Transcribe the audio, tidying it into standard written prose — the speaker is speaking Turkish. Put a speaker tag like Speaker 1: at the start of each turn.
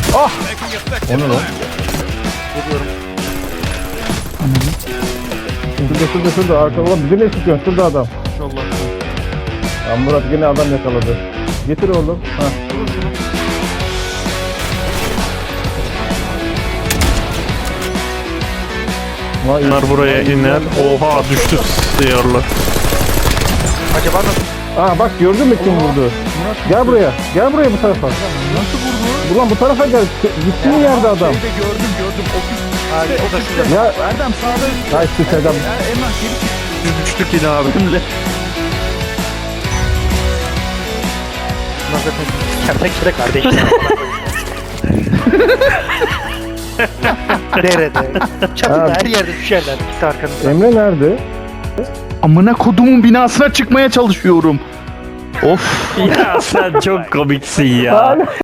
Speaker 1: Ah! O ne lan? Şurada arka ulan bizi ne sıkıyorsun? Şurada adam.
Speaker 2: İnşallah.
Speaker 1: Ya Murat yine adam yakaladı. Getir oğlum. Ha. Vay,
Speaker 2: Bunlar buraya iner. Oha düştü sıyarlar.
Speaker 3: Acaba nasıl?
Speaker 1: Aa bak gördün mü kim vurdu? Gel buraya. Gel buraya bu tarafa.
Speaker 2: Nasıl vurdu?
Speaker 1: Ulan bu tarafa gel. Gittiğin yerde adam.
Speaker 2: Şeyde gördüm.
Speaker 3: Hayır, o da şurada.
Speaker 1: Ya
Speaker 2: Erdem sağda.
Speaker 1: ya işte adam.
Speaker 2: Emrah geri çık. Biz düştük yine abimle.
Speaker 3: Bunlar zaten kertenkele kardeşler. Nerede? Çatıda
Speaker 1: Ha.
Speaker 3: her yerde düşerler. İkisi arkanızda.
Speaker 1: Emre nerede?
Speaker 2: Amına kodumun binasına çıkmaya çalışıyorum. Of. Ya sen çok komiksin ya.